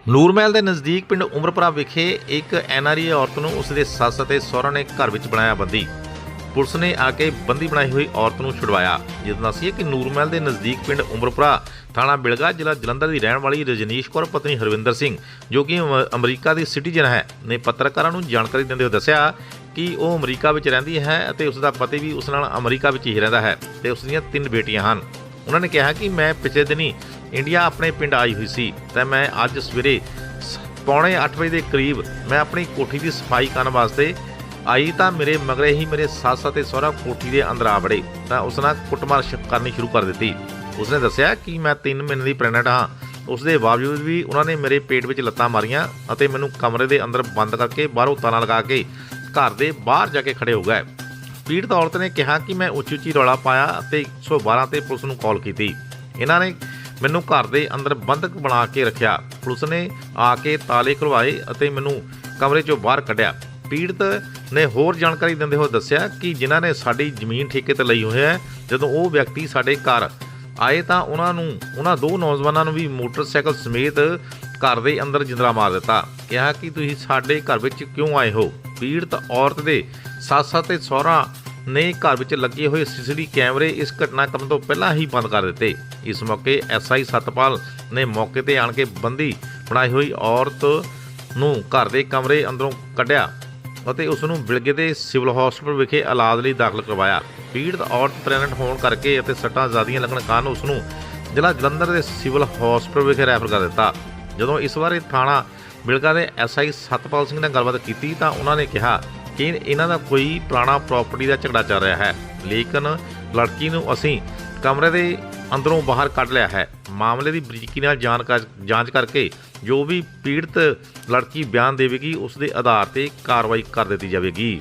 ਨੂਰਮਹਿਲ ਦੇ ਨਜ਼ਦੀਕ ਪਿੰਡ ਉਮਰਪੁਰਾ ਵਿਖੇ ਇੱਕ ਐਨਆਰਆਈ ਔਰਤ ਨੂੰ ਉਸਦੇ ਸੱਸ ਅਤੇ ਸਹੁਰਾ ਨੇ ਘਰ ਵਿੱਚ ਬਣਾਇਆ ਬੰਦੀ। ਪੁਲਿਸ ਨੇ ਆ ਕੇ ਬੰਦੀ ਬਣਾਈ ਹੋਈ ਔਰਤ ਨੂੰ ਛੁਡਵਾਇਆ। ਜਿੱਦਾਂ ਦੱਸੀਏ ਕਿ ਨੂਰਮਹਿਲ ਦੇ ਨਜ਼ਦੀਕ ਪਿੰਡ ਉਮਰਪੁਰਾ ਥਾਣਾ ਬਿਲਗਾ ਜ਼ਿਲ੍ਹਾ ਜਲੰਧਰ ਦੀ ਰਹਿਣ ਵਾਲੀ ਰਜਨੀਸ਼ ਕੌਰ ਪਤਨੀ ਹਰਵਿੰਦਰ ਸਿੰਘ ਜੋ ਕਿ ਅਮਰੀਕਾ ਦੀ ਸਿਟੀਜ਼ਨ ਹੈ ਨੇ ਪੱਤਰਕਾਰਾਂ ਨੂੰ ਜਾਣਕਾਰੀ ਦਿੰਦੇ ਹੋਏ ਦੱਸਿਆ ਕਿ ਉਹ ਅਮਰੀਕਾ ਵਿੱਚ ਰਹਿੰਦੀ ਹੈ ਅਤੇ ਉਸ ਦਾ ਪਤੀ ਵੀ ਉਸ ਨਾਲ ਅਮਰੀਕਾ ਵਿੱਚ ਹੀ ਰਹਿੰਦਾ ਹੈ ਤੇ ਉਸ ਦੀਆਂ 3 ਬੇਟੀਆਂ ਹਨ। ਉਹਨਾਂ ਨੇ ਕਿਹਾ ਕਿ ਮੈਂ ਪਿਛਲੇ ਦਿਨੀ ਇੰਡੀਆ ਆਪਣੇ ਪਿੰਡ ਆਈ ਹੋਈ ਸੀ ਤੇ ਮੈਂ ਅੱਜ ਸਵੇਰੇ 7:45 ਵਜੇ ਦੇ ਕਰੀਬ ਮੈਂ ਆਪਣੀ ਕੋਠੀ ਦੀ ਸਫਾਈ ਕਰਨ ਵਾਸਤੇ ਆਈ ਤਾਂ ਮੇਰੇ ਮਗਰੇ ਹੀ ਮੇਰੇ ਸੱਸ ਅਤੇ ਸਹੁਰਾ ਕੋਠੀ ਦੇ ਅੰਦਰ ਆ ਵੜੇ ਤਾਂ ਉਸ ਨਾਲ ਕੁੱਟਮਾਰ ਕਰਨੀ ਸ਼ੁਰੂ ਕਰ ਦਿੱਤੀ। ਉਸਨੇ ਦੱਸਿਆ ਕਿ ਮੈਂ 3 ਮਹੀਨੇ ਦੀ ਪ੍ਰੈਗਨੈਂਟ ਹਾਂ। ਉਸ ਦੇ ਬਾਵਜੂਦ ਵੀ ਉਹਨਾਂ ਨੇ ਮੇਰੇ ਪੇਟ ਵਿੱਚ ਲੱਤਾਂ ਮਾਰੀਆਂ ਅਤੇ ਮੈਨੂੰ ਕਮਰੇ ਦੇ ਅੰਦਰ ਬੰਦ ਕਰਕੇ ਬਾਹਰੋਂ ਤਾਲਾ ਲਗਾ ਕੇ ਘਰ ਦੇ ਬਾਹਰ ਜਾ ਕੇ ਖੜੇ ਹੋ ਗਏ। ਪੀੜਤ ਔਰਤ ਨੇ ਕਿਹਾ ਕਿ ਮੈਂ ਉੱਚੀ ਰੌਲਾ ਪਾਇਆ ਅਤੇ 112 ਤੇ ਪੁਲਿਸ ਨੂੰ ਕਾਲ ਕੀਤੀ। ਇਹਨਾਂ ਨੇ ਮੈਨੂੰ ਘਰ ਦੇ ਅੰਦਰ ਬੰਦਕ ਬਣਾ ਕੇ ਰੱਖਿਆ। ਪੁਲਿਸ ਨੇ ਆ ਕੇ ਤਾਲੇ ਖੁਲਵਾਏ ਅਤੇ ਮੈਨੂੰ ਕਮਰੇ 'ਚੋਂ ਬਾਹਰ ਕੱਢਿਆ। ਪੀੜਤ ਨੇ ਹੋਰ ਜਾਣਕਾਰੀ ਦਿੰਦੇ ਹੋਏ ਦੱਸਿਆ ਕਿ ਜਿਨ੍ਹਾਂ ਨੇ ਸਾਡੀ ਜ਼ਮੀਨ ਠੇਕੇ ਤੇ ਲਈ ਹੋਈ ਹੈ, ਜਦੋਂ ਉਹ ਵਿਅਕਤੀ ਸਾਡੇ ਘਰ ਆਏ ਤਾਂ ਉਹਨਾਂ 2 ਨੌਜਵਾਨਾਂ ਨੂੰ ਵੀ ਮੋਟਰਸਾਈਕਲ ਸਮੇਤ ਘਰ ਦੇ ਅੰਦਰ ਜਿੰਦਰਾ ਮਾਰ ਦਿੱਤਾ। ਕਿਹਾ ਕਿ ਤੁਸੀਂ ਸਾਡੇ ਘਰ ਵਿੱਚ ਕਿਉਂ ਆਏ ਹੋ। ਪੀੜਤ ਔਰਤ ਦੇ ਸੱਸ ਅਤੇ ਸਹੁਰਾ ਨੇ ਘਰ ਵਿੱਚ ਲੱਗੇ ਹੋਏ ਸੀਸੀਟੀਵੀ ਕੈਮਰੇ ਇਸ ਘਟਨਾਕ੍ਰਮ ਤੋਂ ਪਹਿਲਾਂ ਹੀ ਬੰਦ ਕਰ ਦਿੱਤੇ। ਇਸ ਮੌਕੇ ਐਸਆਈ ਸਤਪਾਲ ਨੇ ਮੌਕੇ ਤੇ ਆਣ ਕੇ ਬੰਦੀ ਬਣਾਈ ਹੋਈ ਔਰਤ ਨੂੰ ਘਰ ਦੇ ਕਮਰੇ ਅੰਦਰੋਂ ਕੱਢਿਆ ਅਤੇ ਉਸ ਨੂੰ ਬਿਲਗੇ ਦੇ ਸਿਵਲ ਹਸਪਤਾਲ ਵਿਖੇ ਇਲਾਜ ਲਈ ਦਾਖਲ ਕਰਵਾਇਆ। ਪੀੜਤ ਔਰਤ ਪ੍ਰੈਗਨੈਂਟ ਹੋਣ ਕਰਕੇ ਅਤੇ ਸੱਟਾਂ ਜ਼ਿਆਦੀਆਂ ਲੱਗਣ ਕਾਰਨ ਉਸ ਨੂੰ ਜ਼ਿਲ੍ਹਾ ਜਲੰਧਰ ਦੇ ਸਿਵਲ ਹਸਪਤਾਲ ਵਿਖੇ ਰੈਫਰ ਕਰ ਦਿੱਤਾ। ਜਦੋਂ ਇਸ ਬਾਰੇ ਥਾਣਾ ਬਿਲਗਾ ਦੇ ਐਸਆਈ ਸਤਪਾਲ ਸਿੰਘ ਨਾਲ ਗੱਲਬਾਤ ਕੀਤੀ ਤਾਂ ਉਹਨਾਂ ਨੇ ਕਿਹਾ ਕਿ ਇਹਨਾਂ ਦਾ ਕੋਈ ਪੁਰਾਣਾ ਪ੍ਰਾਪਰਟੀ ਦਾ ਝਗੜਾ ਚੱਲ ਰਿਹਾ ਹੈ, ਲੇਕਿਨ ਲੜਕੀ ਨੂੰ ਅਸੀਂ ਕਮਰੇ ਦੇ ਅੰਦਰੋਂ ਬਾਹਰ ਕੱਢ ਲਿਆ ਹੈ। ਮਾਮਲੇ ਦੀ ਬਰੀਕੀ ਨਾਲ ਜਾਂਚ ਕਰਕੇ ਜੋ ਵੀ ਪੀੜਤ ਲੜਕੀ ਬਿਆਨ ਦੇਵੇਗੀ ਉਸ ਦੇ ਆਧਾਰ ਤੇ ਕਾਰਵਾਈ ਕਰ ਦਿੱਤੀ ਜਾਵੇਗੀ।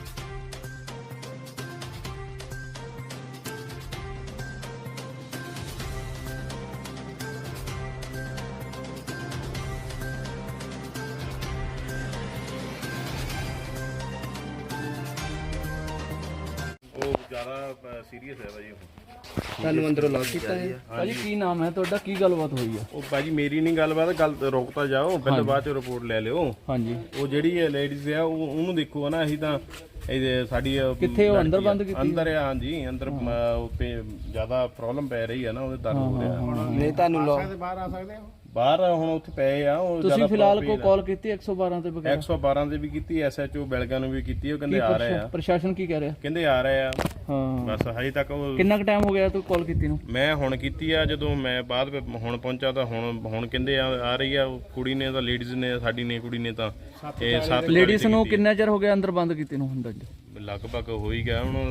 ਉਹ ਜ਼ਿਆਦਾ ਸੀਰੀਅਸ ਹੈ ਭਾਜੀ। ਤੁਹਾਨੂੰ ਅੰਦਰੋਂ ਲੌਕ ਕੀਤਾ ਹੈ? ਭਾਜੀ ਕੀ ਨਾਮ ਹੈ ਤੁਹਾਡਾ, ਕੀ ਗੱਲਬਾਤ ਹੋਈ ਆ? ਉਹ ਭਾਜੀ ਮੇਰੀ ਨਹੀਂ ਗੱਲਬਾਤ, ਗੱਲ ਰੋਕਤਾ ਜਾਓ, ਪਹਿਲੇ ਬਾਅਦ ਚ ਰਿਪੋਰਟ ਲੈ ਲਿਓ। ਹਾਂਜੀ, ਉਹ ਜਿਹੜੀ ਲੇਡੀਜ਼ ਆ ਉਹਨੂੰ ਦੇਖੋ ਨਾ, ਅਸੀਂ ਤਾਂ ਇਹ ਸਾਡੀ ਕਿੱਥੇ ਉਹ ਅੰਦਰ ਬੰਦ ਕੀਤੀ? ਅੰਦਰ ਆ, ਹਾਂਜੀ ਅੰਦਰ। ਉੱਤੇ ਜ਼ਿਆਦਾ ਪ੍ਰੋਬਲਮ ਪੈ ਰਹੀ ਆ ਨਾ, ਉਹਦੇ ਦਰਦ ਹੋ ਰਿਹਾ। ਨਹੀਂ ਤੁਹਾਨੂੰ ਲੌਕ ਬਾਹਰ ਆ ਸਕਦੇ ਹੋ? ਬਾਹਰ ਹੁਣ ਉੱਥੇ ਪਏ ਆ ਉਹ। ਤੁਸੀਂ ਫਿਲਹਾਲ ਕੋ ਕਾਲ ਕੀਤੀ 112 ਤੇ ਵਗੈਰਾ? 112 ਤੇ ਵੀ ਕੀਤੀ, ਐਸਐਚਓ ਬਿਲਗਾ ਨੂੰ ਵੀ ਕੀਤੀ। ਉਹ ਕਹਿੰਦੇ ਆ ਰਹੇ ਆ। ਪ੍ਰਸ਼ਾਸਨ ਕੀ ਕਹਿ ਰਿਹਾ? ਕਹਿੰਦੇ ਆ ਰਹੇ ਆ। ਹਾਂ ਬਸ ਹਜੇ ਤੱਕ ਉਹ। ਕਿੰਨਾ ਕੁ ਟਾਈਮ ਹੋ ਗਿਆ ਤੂੰ ਕਾਲ ਕੀਤੀ ਨੂੰ? ਮੈਂ ਹੁਣ ਕੀਤੀ ਆ, ਜਦੋਂ ਮੈਂ ਬਾਅਦ ਹੁਣ ਪਹੁੰਚਾ ਤਾਂ ਹੁਣ ਕਹਿੰਦੇ ਆ ਰਹੀ ਆ ਕੁੜੀ ਨੇ, ਤਾਂ ਲੇਡੀਜ਼ ਨੇ, ਸਾਡੀ ਨੇ ਕੁੜੀ ਨੇ ਤਾਂ ਇਹ 7 ਲੇਡੀਜ਼ ਨੂੰ ਕਿੰਨਾ ਚਿਰ ਹੋ ਗਿਆ ਅੰਦਰ ਬੰਦ ਕੀਤੀ ਨੂੰ? ਹੁੰਦਾ ਲਗਭਗ ਹੋ ਹੀ ਗਿਆ ਹੁਣ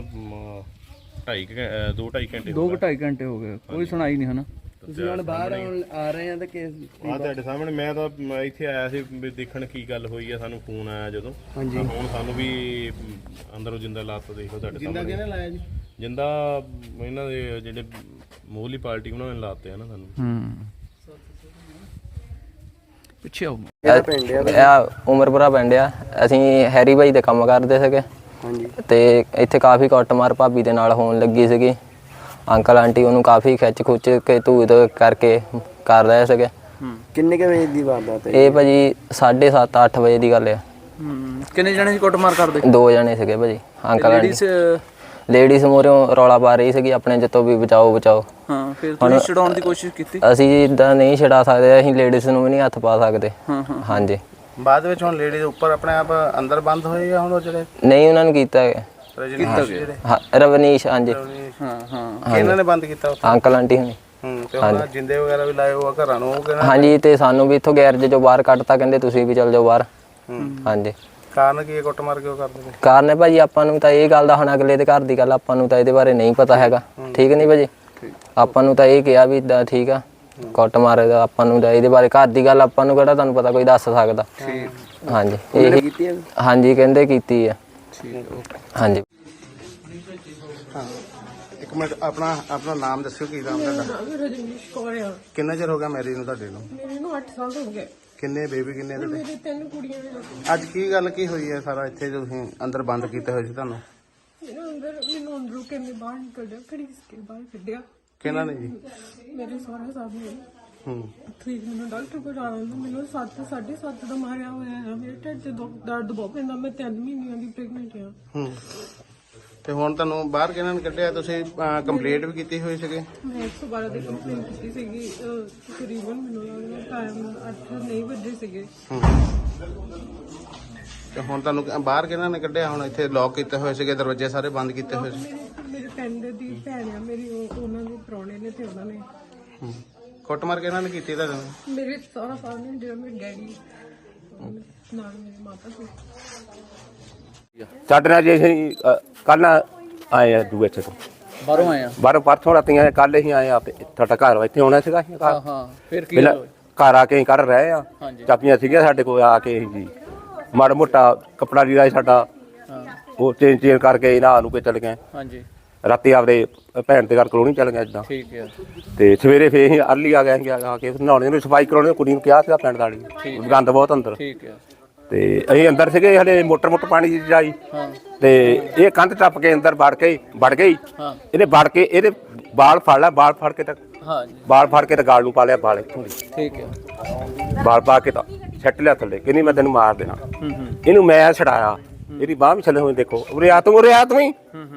2-2.5 ਘੰਟੇ 2-2.5 ਘੰਟੇ ਹੋ ਗਏ, ਕੋਈ ਸੁਣਾਈ ਨਹੀਂ ਹਨਾ? ਤੁਸੀਂ ਹੁਣ ਬਾਹਰ ਆ ਰਹੇ ਆ ਤਾਂ ਕੇਸ ਆ ਤੁਹਾਡੇ ਸਾਹਮਣੇ। ਮੈਂ ਤਾਂ ਇੱਥੇ ਆਇਆ ਸੀ ਵੀ ਦੇਖਣ ਕੀ ਗੱਲ ਹੋਈ ਆ, ਸਾਨੂੰ ਫੋਨ ਆਇਆ ਜਦੋਂ। ਹਾਂਜੀ, ਹੁਣ ਸਾਨੂੰ ਵੀ ਅੰਦਰੋਂ ਜਿੰਦਾ ਲਾਤਾ ਦੇਖੋ ਤੁਹਾਡੇ ਸਾਹਮਣੇ। ਜਿੰਦਾ ਕਿਹਨੇ ਲਾਇਆ ਜੀ? ਜਿੰਦਾ ਇਹਨਾਂ ਦੇ ਜਿਹੜੇ ਮੂਹਰਲੀ ਪਾਰਟੀ ਉਹਨਾਂ ਨੇ ਲਾਤੇ ਆ ਨਾ ਸਾਨੂੰ। ਪਿੱਛੇ ਆਓ। ਕਿਹੜਾ ਪਿੰਡ ਆ? ਉਮਰਪੁਰਾ ਪਿੰਡ ਆ। ਅਸੀਂ ਹੈਰੀ ਬਾਈ ਦੇ ਕੰਮ ਕਰਦੇ ਸੀਗੇ। ਹਾਂਜੀ, ਤੇ ਇੱਥੇ ਕਾਫੀ ਕੁੱਟਮਾਰ ਭਾਬੀ ਦੇ ਨਾਲ ਹੋਣ ਲੱਗੀ ਸੀਗੀ। ਅੰਕਲ ਆਂਟੀ ਉਹਨੂੰ ਕਾਫੀ ਖਿੱਚ ਖੁੱਚ ਕੇ ਧੂਤ ਕਰਕੇ ਕਰ ਰਹੇ ਸੀਗੇ। ਕਿੰਨੇ ਕੁ ਵਜੇ ਦੀ ਵਾਰਦਾਤ ਹੈ? ਇਹ ਭਾਜੀ 7:30-8 ਵਜੇ ਦੀ ਗੱਲ ਆ। ਕਿੰਨੇ ਜਣੇ ਸੀ ਕੁੱਟਮਾਰ ਕਰਦੇ? 2 ਜਣੇ ਸੀਗੇ ਭਾਜੀ। Uncle aunty ladies? ਲੇਡੀਜ਼ ਮੂਹਰੋਂ ਰੌਲਾ ਪਾ ਰਹੀ ਸੀਗੀ ਆਪਣੇ ਜਿੱਤੋਂ ਵੀ ਬਚਾਓ ਬਚਾਓ। ਹਾਂ, ਫਿਰ ਤੁਸੀਂ ਛਡਾਉਣ ਦੀ ਕੋਸ਼ਿਸ਼ ਕੀਤੀ? ਅਸੀਂ ਇਦਾਂ ਨਹੀਂ ਛਡਾ ਸਕਦੇ, ਅਸੀਂ ਲੇਡੀਜ਼ ਨੂੰ ਵੀ ਨਹੀਂ ਹੱਥ ਪਾ ਸਕਦੇ। ਹਾਂਜੀ, ਬਾਅਦ ਵਿੱਚ ਹੁਣ ਲੇਡੀਜ਼ ਉੱਪਰ ਆਪਣੇ ਆਪ ਅੰਦਰ ਬੰਦ ਹੋਏ ਆ ਹੁਣ ਉਹ ਜਿਹੜੇ? ਨਹੀਂ ਉਹਨਾਂ ਨੂੰ ਕੀਤਾ ਗਿਆ। ਹਾਂ, ਰਵਨੀਸ਼। ਹਾਂਜੀ, ਹਾਂ ਇਹਨਾਂ ਨੇ ਬੰਦ ਕੀਤਾ ਉੱਥੇ? ਅੰਕਲ ਆਂਟੀ ਹੁਣੀ। ਤੇ ਹੁਣ ਜਿੰਦੇ ਵਗੈਰਾ ਵੀ ਲਾਏ ਹੋਆ ਘਰਾਂ ਨੂੰ? ਉਹ ਕਹਿੰਦਾ ਹਾਂਜੀ, ਤੇ ਸਾਨੂੰ ਵੀ ਇੱਥੋਂ ਗੈਰਜ ਚੋਂ ਬਾਹਰ ਕੱਢਤਾ, ਕਹਿੰਦੇ ਤੁਸੀਂ ਵੀ ਚੱਲ ਜਾਓ ਬਾਹਰ। ਹਾਂਜੀ, ਕਾਰਨ ਕੀ ਹੈ ਕੁੱਟਮਾਰ ਕਿਉਂ ਕਰਦੇ ਨੇ? ਕਾਰਨ ਹੈ ਭਾਜੀ ਆਪਾਂ ਨੂੰ ਤਾਂ ਇਹ ਗੱਲ ਦਾ, ਹੁਣ ਅਗਲੇ ਦੇ ਘਰ ਦੀ ਗੱਲ ਆਪਾਂ ਨੂੰ ਤਾਂ ਇਹਦੇ ਬਾਰੇ ਨਹੀਂ ਪਤਾ ਹੈਗਾ। ਠੀਕ ਨਹੀਂ ਭਾਜੀ? ਆਪਾਂ ਨੂੰ ਤਾਂ ਇਹ ਕਿਹਾ ਵੀ ਇਦਾਂ ਠੀਕ ਆ, ਕੁੱਟ ਮਾਰੇ ਦਾ ਆਪਾਂ ਨੂੰ ਤਾਂ ਇਹਦੇ ਬਾਰੇ ਘਰ ਦੀ ਗੱਲ ਆਪਾਂ ਨੂੰ ਕਿਹੜਾ ਤੁਹਾਨੂੰ ਪਤਾ ਕੋਈ ਦੱਸ ਸਕਦਾ। ਹਾਂਜੀ, ਇਹ ਕੀਤੀ ਹੈ? ਹਾਂਜੀ ਕਹਿੰਦੇ ਕੀਤੀ ਆ। ਹਾਂਜੀ, ਇੱਕ ਮਿੰਟ, ਆਪਣਾ ਨਾਮ ਦੱਸਿਓ, ਕੀ ਨਾਮ ਤੁਹਾਡਾ? ਰਜਨੀਸ਼ ਕੌਰ ਆ। ਕਿੰਨਾ ਚਿਰ ਹੋ ਗਿਆ ਮੈਰਿਜ ਨੂੰ ਤੁਹਾਡੇ ਨੂੰ? ਮੇਰੇ ਨੂੰ 8 ਸਾਲ ਹੋ ਗਏ। ਕਿੰਨੇ ਬੇਬੀ ਕਿੰਨੇ ਤੁਹਾਡੇ? ਮੇਰੇ 3 ਕੁੜੀਆਂ ਨੇ। ਅੱਜ ਕੀ ਗੱਲ ਕੀ ਹੋਈ ਹੈ ਸਾਰਾ ਇੱਥੇ ਤੁਸੀਂ ਅੰਦਰ ਬੰਦ ਕੀਤੇ ਹੋਏ ਸੀ ਤੁਹਾਨੂੰ? ਮੈਨੂੰ ਅੰਦਰੋਂ ਕਿਵੇਂ ਬਾਹਰ ਨਿਕਲ ਗਿਆ, ਘੜੀਸ ਕੇ ਬਾਹਰ ਕੱਢਿਆ। ਕਿਹਨਾਂ ਨੇ ਜੀ? ਮੇਰੇ ਸਹੁਰਾ ਸਾਹਿਬ ਨੇ। ਠੀਕ ਮੈਨੂੰ ਡਾਕਟਰ ਕੋਲ ਜਾਣਾ ਹੁੰਦਾ। ਮੈਨੂੰ 7.5 ਦਾ ਮਾਰਿਆ ਹੋਇਆ ਹੈ। ਮੇਰੇ ਢਿੱਡ 'ਚ ਦਰਦ ਬਹੁਤ ਪੈਂਦਾ। ਮੈਂ 3 ਮਹੀਨਿਆਂ ਦੀ ਪ੍ਰੈਗਨੈਂਟ ਹਾਂ। ਤੇ ਹੁਣ ਤੁਹਾਨੂੰ ਬਾਹਰ ਕਿਹਨਾਂ ਨੇ ਕੱਢਿਆ? ਤੁਸੀਂ ਕੰਪਲੇਂਟ ਵੀ ਕੀਤੀ ਹੋਈ ਸੀਗੀ? ਮੈਂ 112 ਦੀ ਕੰਪਲੇਂਟ ਕੀਤੀ ਸੀਗੀ। ਤਕਰੀਬਨ ਮੈਨੂੰ ਲੱਗਦਾ ਟਾਈਮ 8 ਨਹੀਂ ਵੱਜੇ ਸੀਗੇ। ਤੇ ਹੁਣ ਤੁਹਾਨੂੰ ਬਾਹਰ ਕਿਹਨਾਂ ਨੇ ਕੱਢਿਆ? ਹੁਣ ਇੱਥੇ ਲੌਕ ਕੀਤੇ ਹੋਏ ਸੀਗੇ, ਦਰਵਾਜ਼ੇ ਸਾਰੇ ਬੰਦ ਕੀਤੇ ਹੋਏ ਸੀ। ਮੇਰੇ ਪਿੰਡ ਦੀ ਭੈਣ ਆ ਮੇਰੀ, ਉਹਨਾਂ ਦੇ ਪ੍ਰਾਹੁਣੇ ਨੇ ਤੇ ਉਹਨਾਂ ਨੇ ਕੁੱਟਮਾਰ ਕਿਹਨਾਂ ਨੇ ਕੀਤੀ ਤੁਹਾਡੇ ਨਾਲ? ਮੇਰੇ ਸਾਰਾ ਫੈਮਿਲੀ ਜਿਹੜਾ ਮੇਰੇ ਡੈਡੀ ਨਾਲ ਮੇਰੀ ਮਾਤਾ ਸੀ। ਸਾਡੇ ਨਾਲ ਜੇ ਅਸੀਂ ਕੱਲ ਆਏ ਆ ਦੂਏ ਇੱਥੇ ਤੋਂ ਬਾਹਰੋਂ ਆਏ ਆ। ਬਾਹਰੋਂ ਪਰਸੋਂ ਰਾਤੀ ਆਏ, ਕੱਲ ਹੀ ਆਏ ਆ। ਤੁਹਾਡਾ ਘਰ ਇੱਥੇ ਆਉਣਾ ਸੀਗਾ ਅਸੀਂ ਘਰ। ਹਾਂ ਫਿਰ ਕੀ ਪਹਿਲਾਂ ਹੋਇਆ? ਘਰ ਆ ਕੇ ਅਸੀਂ ਕਰ ਰਹੇ ਆ, ਹਾਂਜੀ। ਚਾਬੀਆਂ ਸੀਗੀਆਂ ਸਾਡੇ ਕੋਲ। ਆ ਕੇ ਅਸੀਂ ਜੀ ਮਾੜਾ ਮੋਟਾ ਕੱਪੜਾ ਲੀੜਾ ਸੀ ਸਾਡਾ, ਉਹ ਚੇਂਜ ਕਰਕੇ ਇਹਨਾਂ ਨੂੰ ਕੇ ਚਲੇ ਗਏ। ਹਾਂਜੀ ਰਾਤੀ ਆਪਦੇ ਭੈਣ ਦੇ ਘਰ ਕਲੋਨੀ ਚਲ ਗਏ ਇਦਾਂ। ਠੀਕ ਹੈ। ਤੇ ਸਵੇਰੇ ਫੇਰ ਅਸੀਂ ਅਰਲੀ ਆ ਗਏ ਸੀ, ਆ ਕੇ ਨਹਾਉਣੇ ਨੂੰ ਸਫਾਈ ਕਰਾਉਣੀ ਕੁੜੀ ਨੂੰ ਕਿਹਾ ਸੀਗਾ ਪਿੰਡ ਵਾਲੀ, ਗੰਦ ਬਹੁਤ ਅੰਦਰ। ਠੀਕ ਹੈ। ਤੇ ਅਸੀਂ ਅੰਦਰ ਸੀਗੇ, ਹਲੇ ਮੋਟਰ ਪਾਣੀ ਦੀ ਜਾਈ ਤੇ ਇਹ ਕੰਧ ਟੱਪ ਕੇ ਅੰਦਰ ਵੜ ਗਈ। ਹਾਂ ਇਹਨੇ ਵੜ ਕੇ ਇਹਦੇ ਬਾਲ ਫੜ ਲਿਆ, ਬਾਲ ਫੜ ਕੇ ਤਾਂ ਹਾਂਜੀ ਬਾਲ ਫੜ ਕੇ ਤਾਂ ਗਾਲ ਨੂੰ ਪਾ ਲਿਆ, ਬਾਲ ਇੱਥੋਂ ਦੀ ਠੀਕ ਹੈ। ਬਾਲ ਪਾ ਕੇ ਤਾਂ ਛੱਟ ਲਿਆ ਥੱਲੇ, ਕਹਿੰਦੀ ਮੈਂ ਤੈਨੂੰ ਮਾਰ ਦੇਣਾ। ਇਹਨੂੰ ਮੈਂ ਛਡਾਇਆ, ਇਹਦੀ ਬਾਹ ਵੀ ਛੱਲੇ ਹੋਏ, ਦੇਖੋ ਉਰੇ ਆ ਤੂੰ ਹੀ।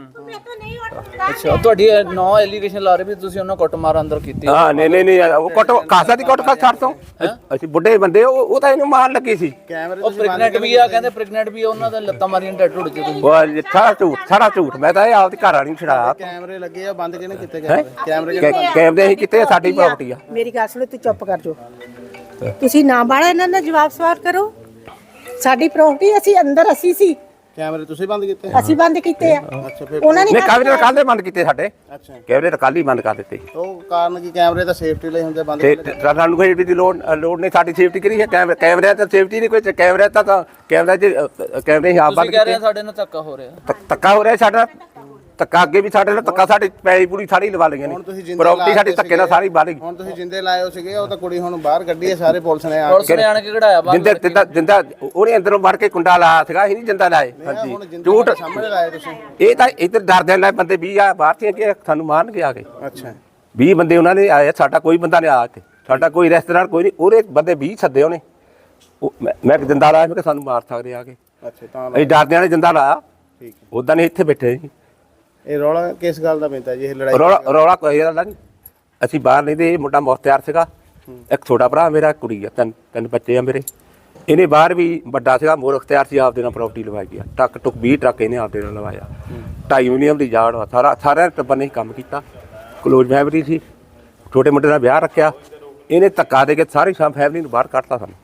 ਅੱਛਾ ਤੁਹਾਡੀ 9 ਐਲੀਗੇਸ਼ਨ ਲਾ ਰਹੇ ਵੀ ਤੁਸੀਂ ਉਹਨਾਂ ਕੁੱਟਮਾਰ ਅੰਦਰ ਕੀਤੀ। ਹਾਂ ਨਹੀਂ ਉਹ ਕੁੱਟ ਕਾਸਾ ਦੀ ਕੁੱਟ ਖਾ ਛੱਡ ਤੋਂ। ਅਸੀਂ ਬੁੱਢੇ ਬੰਦੇ, ਉਹ ਤਾਂ ਇਹਨੂੰ ਮਾਰਨ ਲੱਗੀ ਸੀ। ਉਹ ਪ੍ਰੈਗਨੈਂਟ ਵੀ ਆ, ਕਹਿੰਦੇ ਪ੍ਰੈਗਨੈਂਟ ਵੀ ਆ, ਉਹਨਾਂ ਦਾ ਲੱਤਾਂ ਮਾਰੀਆਂ ਢੱਡ ਢੁੱਡ ਚ ਤੁਸੀਂ। ਉਹ ਸਾਰਾ ਝੂਠ। ਮੈਂ ਤਾਂ ਇਹ ਆਪਦੀ ਘਰ ਵਾਲੀ ਨੂੰ ਛਡਾਇਆ। ਕੈਮਰੇ ਲੱਗੇ ਆ, ਬੰਦ ਕਿਹਨੇ ਕੀਤੇ ਗਏ? ਕੈਮਰੇ ਅਸੀਂ ਕਿਤੇ, ਸਾਡੀ ਪ੍ਰਾਪਰਟੀ ਆ। ਮੇਰੀ ਗੱਲ ਸੁਣੋ, ਤੂੰ ਚੁੱਪ ਕਰ ਜੋ। ਤੁਸੀਂ ਨਾ ਬਾੜਾ ਇਹਨਾਂ ਦਾ ਜਵਾਬ ਸਵਾਲ ਕਰੋ। ਸਾਡੀ ਪ੍ਰਾਪਰਟੀ, ਅਸੀਂ ਸੀ। ਕੈਮਰੇ ਤੁਸੀਂ ਬੰਦ ਕੀਤੇ? ਅਸੀਂ ਬੰਦ ਕੀਤੇ ਆ। ਅੱਛਾ ਫਿਰ ਉਹਨਾਂ ਨੇ ਨਹੀਂ, ਕੈਮਰੇ ਤਾਂ ਕੱਲ੍ਹ ਦੇ ਬੰਦ ਕੀਤੇ ਸਾਡੇ। ਅੱਛਾ, ਕੈਮਰੇ ਤਾਂ ਕੱਲ੍ਹ ਹੀ ਬੰਦ ਕਰ ਦਿੱਤੇ। ਉਹ ਕਾਰਨ ਕੀ? ਕੈਮਰੇ ਤਾਂ ਸੇਫਟੀ ਲਈ ਹੁੰਦੇ, ਬੰਦ ਤੇ ਸਾਨੂੰ ਕੋਈ ਦੀ ਲੋੜ ਨਹੀਂ, ਸਾਡੀ ਸੇਫਟੀ ਕਰੀ ਹੈ। ਕੈਮਰੇ ਤਾਂ ਸੇਫਟੀ ਨਹੀਂ ਕੋਈ। ਕੈਮਰੇ ਤਾਂ ਕੈਮਰੇ ਹੀ ਆਪ ਬੰਦ ਤੁਸੀਂ ਕਹਿ ਰਹੇ ਕੀਤੇ। ਸਾਡੇ ਨਾਲ ਧੱਕਾ ਹੋ ਰਿਹਾ। ਧੱਕਾ ਹੋ ਰਿਹਾ ਸਾਡਾ, ਧੱਕਾ ਅੱਗੇ ਵੀ ਸਾਡੇ ਨਾਲ ਧੱਕਾ। ਸਾਡੀ ਪੈਲੀ ਪੂਰੀ ਸਾਰੀ ਲਵਾ ਲਈਆਂ ਨੇ, ਪ੍ਰਾਪਰਟੀ ਸਾਡੀ ਧੱਕੇ ਨਾਲ ਸਾਰੀ ਬਾਹਰ ਗਈ। ਹੁਣ ਤੁਸੀਂ ਜਿੰਦੇ ਲਾਏ ਹੋ ਸੀਗੇ, ਉਹ ਤਾਂ ਕੁੜੀ ਹੁਣ ਬਾਹਰ ਕੱਢੀ ਹੈ, ਸਾਰੇ ਪੁਲਿਸ ਨੇ ਆ ਪੁਲਿਸ ਨੇ ਆਣ ਕੇ ਕਢਾਇਆ ਬਾਹਰ। ਜਿੰਦਾ ਉਹਨੇ ਅੰਦਰੋਂ ਵੜ ਕੇ ਕੁੰਡਾ ਲਾਇਆ ਸੀਗਾ, ਅਸੀਂ ਨਹੀਂ ਜਿੰਦਾ ਲਾਏ। ਹਾਂਜੀ ਝੂਠ ਸਾਹਮਣੇ ਲਾਏ ਤੁਸੀਂ। ਇਹ ਤਾਂ ਇੱਧਰ ਡਰਦੇ ਨਾਲ ਬੰਦੇ 20 ਆ ਬਾਹਰ ਸੀ ਕਿ ਸਾਨੂੰ ਮਾਰਨਗੇ ਆ ਕੇ। ਅੱਛਾ 20 ਬੰਦੇ ਉਹਨਾਂ ਨੇ ਆਏ, ਸਾਡਾ ਕੋਈ ਬੰਦਾ ਨਹੀਂ ਆਇਆ ਇੱਥੇ। ਸਾਡਾ ਕੋਈ ਰਿਸ਼ਤੇਦਾਰ ਕੋਈ ਨਹੀਂ, ਉਹਦੇ ਬੰਦੇ 20 ਸੱਦੇ ਉਹਨੇ। ਮੈਂ ਜਿੰਦਾ ਲਾਇਆ, ਮੈਂ ਕਿ ਸਾਨੂੰ ਮਾਰ ਸਕਦੇ ਆ ਕੇ। ਅੱਛਾ ਤਾਂ ਅਸੀਂ ਡਰਦਿਆਂ ਨੇ ਜਿੰਦਾ ਲਾਇਆ। ਠੀਕ ਹੈ। ਉਦਾਂ ਨਹੀਂ ਇੱਥੇ ਬੈਠੇ ਸੀ। ਇਹ ਰੌਲਾ ਕਿਸ ਗੱਲ ਦਾ ਪੈਂਦਾ ਜੀ? ਇਹ ਲੜਾਈ ਰੌਲਾ ਕੋਈ ਗੱਲ ਨਹੀਂ। ਅਸੀਂ ਬਾਹਰ ਨਹੀਂ ਤੇ ਇਹ ਮੁੰਡਾ ਮੁਖਤਿਆਰ ਸੀਗਾ, ਇੱਕ ਛੋਟਾ ਭਰਾ ਮੇਰਾ, ਕੁੜੀ ਆ, ਤਿੰਨ ਬੱਚੇ ਆ ਮੇਰੇ। ਇਹਨੇ ਬਾਹਰ ਵੀ ਵੱਡਾ ਸੀਗਾ, ਮੁਖਤਿਆਰ ਸੀ, ਆਪਦੇ ਨਾਲ ਪ੍ਰਾਪਰਟੀ ਲਵਾਈ ਗਿਆ। ਟੱਕ ਟੁੱਕ 20 ਟਰੱਕ ਇਹਨੇ ਆਪਦੇ ਨਾਲ ਲਵਾਇਆ। 2.5 ਯੂਨੀਅਮ ਦੀ ਜਾੜ ਵਾ, ਸਾਰਿਆਂ ਟੱਬਰ ਨੇ ਕੰਮ ਕੀਤਾ। ਕਲੋਜ਼ ਫੈਮਿਲੀ ਸੀ, ਛੋਟੇ ਮੁੰਡੇ ਦਾ ਵਿਆਹ ਰੱਖਿਆ। ਇਹਨੇ ਧੱਕਾ ਦੇ ਕੇ ਸਾਰੀ ਫੈਮਿਲੀ ਨੂੰ ਬਾਹਰ ਕੱਢਤਾ ਸਾਨੂੰ।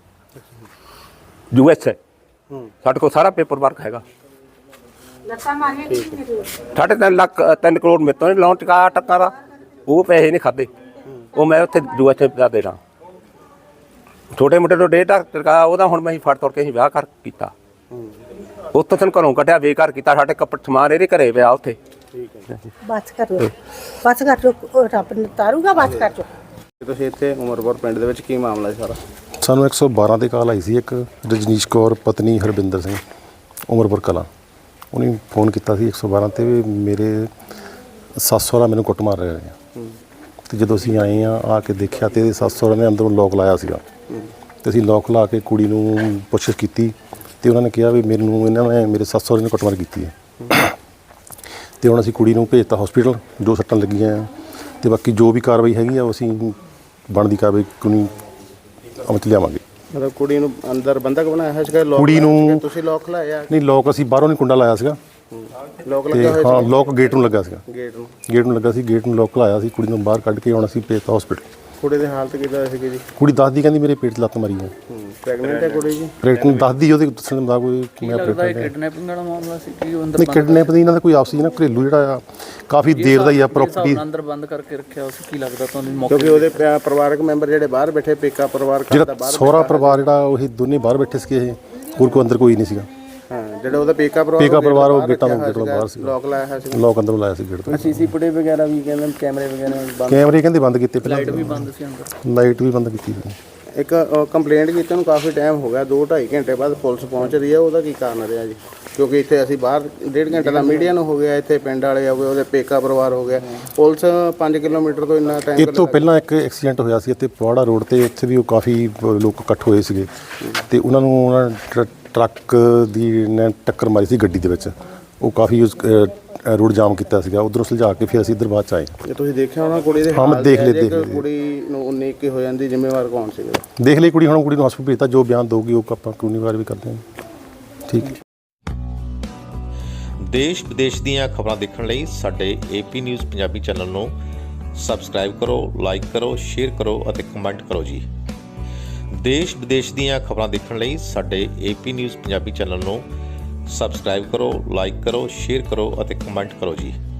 USA ਸਾਡੇ ਕੋਲ ਸਾਰਾ ਪੇਪਰ ਵਰਕ ਹੈਗਾ। 3.5 ਕਰੋੜ ਮੇਰੇ ਤੋਂ ਲੋਨ ਟਕਾ ਟੱਕਾ ਦਾ, ਉਹ ਪੈਸੇ ਨਹੀਂ ਖਾਦੇ। ਉਹ ਮੈਂ ਉੱਥੇ USA ਦਾ ਦੇਣਾ। ਛੋਟੇ ਮੁੰਡੇ ਤੋਂ 1.5 ਲੱਖ ਟਕਾ ਉਹਦਾ ਹੁਣ ਮੈਂ ਫੜ ਤੋੜ ਕੇ ਅਸੀਂ ਵਿਆਹ ਕਰ ਕੀਤਾ। ਉੱਥੋਂ ਤੈਨੂੰ ਘਰੋਂ ਕੱਢਿਆ, ਬੇਘਰ ਕੀਤਾ। ਸਾਡੇ ਕੱਪੜੇ ਸਮਾਨ ਇਹਦੇ ਘਰੇ ਪਿਆ ਉੱਥੇ। ਬਸ ਕਰ ਜੋ, ਰੱਬ ਨੇ ਤਾਰੂਗਾ। ਬਸ ਕਰ ਜੋ। ਤੁਸੀਂ ਇੱਥੇ ਉਮਰਪੁਰ ਪਿੰਡ ਦੇ ਵਿੱਚ ਕੀ ਮਾਮਲਾ ਹੈ ਸਾਰਾ? ਸਾਨੂੰ 112 ਤੇ ਕਾਲ ਆਈ ਸੀ। ਇੱਕ ਰਜਨੀਸ਼ ਕੌਰ ਪਤਨੀ ਹਰਬਿੰਦਰ ਸਿੰਘ, ਉਮਰਪੁਰ ਕਲਾਂ, ਉਹਨੇ ਫੋਨ ਕੀਤਾ ਸੀ 112 ਤੇ ਵੀ ਮੇਰੇ ਸੱਸ ਸਹੁਰਾ ਮੈਨੂੰ ਕੁੱਟ ਮਾਰ ਰਹੇ ਨੇ। ਤੇ ਜਦੋਂ ਅਸੀਂ ਆਏ ਆ ਕੇ ਦੇਖਿਆ ਤੇ ਇਹਦੇ ਸੱਸ ਸਹੁਰਾ ਨੇ ਅੰਦਰੋਂ ਲੋਕ ਲਾਇਆ ਸੀਗਾ। ਤੇ ਅਸੀਂ ਲੋਕ ਲਾ ਕੇ ਕੁੜੀ ਨੂੰ ਪੁੱਛਿਸ਼ ਕੀਤੀ ਤੇ ਉਹਨਾਂ ਨੇ ਕਿਹਾ ਵੀ ਮੈਨੂੰ ਇਹਨਾਂ ਨੇ ਮੇਰੇ ਸੱਸ ਸਹੁਰੇ ਨੇ ਕੁੱਟਮਾਰ ਕੀਤੀ ਹੈ। ਤੇ ਹੁਣ ਅਸੀਂ ਕੁੜੀ ਨੂੰ ਭੇਜਤਾ ਹਸਪੀਟਲ, ਜੋ ਸੱਟਾਂ ਲੱਗੀਆਂ ਆ। ਤੇ ਬਾਕੀ ਜੋ ਵੀ ਕਾਰਵਾਈ ਹੈਗੀ ਆ ਉਹ ਅਸੀਂ ਬਣਦੀ ਕਾਰਵਾਈ ਕਾਨੂੰਨੀ ਅਮਲ 'ਚ ਲਿਆਵਾਂਗੇ। ਮਤਲਬ ਕੁੜੀ ਨੂੰ ਅੰਦਰ ਬੰਦਕ ਬਣਾਇਆ ਹੈ ਸੀਗਾ? ਕੁੜੀ ਨੂੰ ਤੁਸੀਂ ਲੋਕ ਲਾਇਆ? ਨਹੀਂ, ਲੋਕ ਅਸੀਂ ਬਾਹਰੋਂ ਨਹੀਂ ਕੁੰਡਾ ਲਾਇਆ ਸੀਗਾ। ਲੋਕ ਤੇ ਲੱਗਾ ਹੋਇਆ ਹਾਂ, ਲੋਕ ਗੇਟ ਨੂੰ ਲੱਗਾ ਸੀਗਾ। ਗੇਟ ਨੂੰ ਲੱਗਾ ਸੀ। ਗੇਟ ਨੂੰ ਲੋਕ ਲਾਇਆ ਸੀ। ਕੁੜੀ ਨੂੰ ਬਾਹਰ ਕੱਢ ਕੇ ਹੁਣ ਅਸੀਂ ਭੇਜਤਾ ਹਸਪੀਟਲ। ਕੁੜੀ ਦੀ ਹਾਲਤ ਕਿੱਦਾਂ ਸੀਗੀ ਜੀ? ਕੁੜੀ ਦੱਸਦੀ ਕਹਿੰਦੀ ਮੇਰੇ ਪੇਟ 'ਚ ਲੱਤ ਮਾਰੀ ਹੈ। ਪ੍ਰੈਗਨੈਂਟ ਹੈ ਕੁੜੀ ਜੀ? ਪ੍ਰੈਗਨੈਂਟ ਦੱਸਦੀ, ਉਹਦੇ ਦੱਸਣ ਦਾ ਕੋਈ ਮੈਂ ਲੱਗਦਾ ਕਿਡਨੈਪਿੰਗ ਵਾਲਾ ਮਾਮਲਾ ਸੀ ਕਿ ਉਹ ਅੰਦਰ ਨਹੀਂ, ਕਿਡਨੈਪ ਦੀ ਇਹਨਾਂ ਦਾ ਕੋਈ ਆਪਸੀ ਨਾ ਘਰੇਲੂ ਜਿਹੜਾ ਆ ਕਾਫੀ ਦੇਰ ਦਾ ਹੀ ਆ। ਪ੍ਰਾਪਰਟੀ ਅੰਦਰ ਬੰਦ ਕਰਕੇ ਰੱਖਿਆ ਉਸ ਕੀ ਲੱਗਦਾ ਤੁਹਾਨੂੰ ਮੌਕੇ? ਕਿਉਂਕਿ ਉਹਦੇ ਪਰਿਵਾਰਕ ਮੈਂਬਰ ਜਿਹੜੇ ਬਾਹਰ ਬੈਠੇ, ਪੇਕਾ ਪਰਿਵਾਰ ਜਿਹੜਾ ਸਹੁਰਾ ਪਰਿਵਾਰ ਜਿਹੜਾ ਉਹ ਦੋਨੇ ਬਾਹਰ ਬੈਠੇ ਸੀਗੇ। ਇਹ ਹੋਰ ਕੋਈ ਅੰਦਰ ਕੋਈ ਨਹੀਂ ਸੀਗਾ। ਹਾਂ, ਜਿਹੜਾ ਉਹਦਾ ਪੇਕਾ ਪਰਿਵਾਰ ਉਹ ਗੇਟਾਂ ਤੋਂ ਬਾਹਰ ਸੀ। ਲੋਕ ਲਾਇਆ ਹੋਇਆ ਸੀ। ਲੋਕ ਅੰਦਰੋਂ ਲਾਇਆ ਸੀ ਗੇਟ ਤੋਂ। ਸੀਸੀ ਫੁਟੇਜ ਵਗੈਰਾ ਵੀ ਕਹਿੰਦੇ, ਕੈਮਰੇ ਵਗੈਰਾ ਬੰਦ? ਕੈਮਰੇ ਕਹਿੰਦੇ ਬੰਦ ਕੀਤੇ ਪਹਿਲਾਂ। ਲਾਈਟ ਵੀ ਬੰਦ ਸੀ ਅੰਦਰ। ਲਾਈਟ ਵੀ ਬੰਦ ਕੀਤੀ ਸੀ। ਇੱਕ ਕੰਪਲੇਂਟ ਕੀਤੀ ਨੂੰ ਕਾਫੀ ਟਾਈਮ ਹੋ ਗਿਆ, 2-2.5 ਘੰਟੇ ਬਾਅਦ ਪੁਲਿਸ ਪਹੁੰਚ ਰਹੀ ਹੈ, ਉਹਦਾ ਕੀ ਕਾਰਨ ਰਿਹਾ ਜੀ? ਕਿਉਂਕਿ ਇੱਥੇ ਅਸੀਂ ਬਾਹਰ 1.5 ਘੰਟੇ ਦਾ ਮੀਡੀਆ ਨੂੰ ਹੋ ਗਿਆ, ਇੱਥੇ ਪਿੰਡ ਵਾਲੇ ਹੋ ਗਏ, ਉਹਦੇ ਪੇਕਾ ਪਰਿਵਾਰ ਹੋ ਗਿਆ, ਪੁਲਿਸ 5 ਕਿਲੋਮੀਟਰ ਤੋਂ ਇੰਨਾ ਟਾਈਮ। ਇਹ ਤੋਂ ਪਹਿਲਾਂ ਇੱਕ ਐਕਸੀਡੈਂਟ ਹੋਇਆ ਸੀ ਇੱਥੇ ਪਵਾੜਾ ਰੋਡ ਤੇ, ਉੱਥੇ ਵੀ ਉਹ ਕਾਫੀ ਲੋਕ ਇਕੱਠ ਹੋਏ ਸੀਗੇ ਤੇ ਉਹਨਾਂ ਨੂੰ ਟਰੱਕ ਦੀ ਨੇ ਟੱਕਰ ਮਾਰੀ ਸੀ ਗੱਡੀ ਦੇ ਵਿੱਚ। ਉਹ ਕਾਫੀ ਰੋਡ ਜਾਮ ਕੀਤਾ ਸੀਗਾ, ਉਧਰੋਂ ਸੁਲਝਾ ਕੇ ਫਿਰ ਅਸੀਂ ਇੱਧਰ ਬਾਅਦ 'ਚ ਆਏ। ਜੇ ਤੁਸੀਂ ਦੇਖਿਆ ਹੋਣਾ ਕੁੜੀ ਦੇ ਹਾਂ, ਮੈਂ ਦੇਖ ਲਿਆ, ਜੇ ਕੁੜੀ ਨੂੰ 19 ਕੀ ਹੋ ਜਾਂਦੀ, ਜ਼ਿੰਮੇਵਾਰ ਕੌਣ ਸੀਗਾ? ਦੇਖ ਲਈ ਕੁੜੀ, ਹੁਣ ਕੁੜੀ ਨੂੰ ਹਸਪਤਾਲ ਭੇਜਤਾ, ਜੋ ਬਿਆਨ ਦਊਗੀ ਉਹ ਆਪਾਂ ਕਾਨੂੰਨੀ ਵੀ ਕਰਦੇ ਹਾਂ। ਠੀਕ ਹੈ। ਦੇਸ਼ ਵਿਦੇਸ਼ ਦੀਆਂ ਖਬਰਾਂ ਦੇਖਣ ਲਈ ਸਾਡੇ AP ਨਿਊਜ਼ ਪੰਜਾਬੀ ਚੈਨਲ ਨੂੰ ਸਬਸਕ੍ਰਾਈਬ ਕਰੋ, ਲਾਈਕ ਕਰੋ, ਸ਼ੇਅਰ ਕਰੋ ਅਤੇ ਕਮੈਂਟ ਕਰੋ ਜੀ। ਦੇਸ਼ ਵਿਦੇਸ਼ ਦੀਆਂ ਖਬਰਾਂ ਦੇਖਣ ਲਈ ਸਾਡੇ AP ਨਿਊਜ਼ ਪੰਜਾਬੀ ਚੈਨਲ ਨੂੰ ਸਬਸਕ੍ਰਾਈਬ ਕਰੋ, ਲਾਈਕ ਕਰੋ, ਸ਼ੇਅਰ ਕਰੋ ਅਤੇ ਕਮੈਂਟ ਕਰੋ ਜੀ।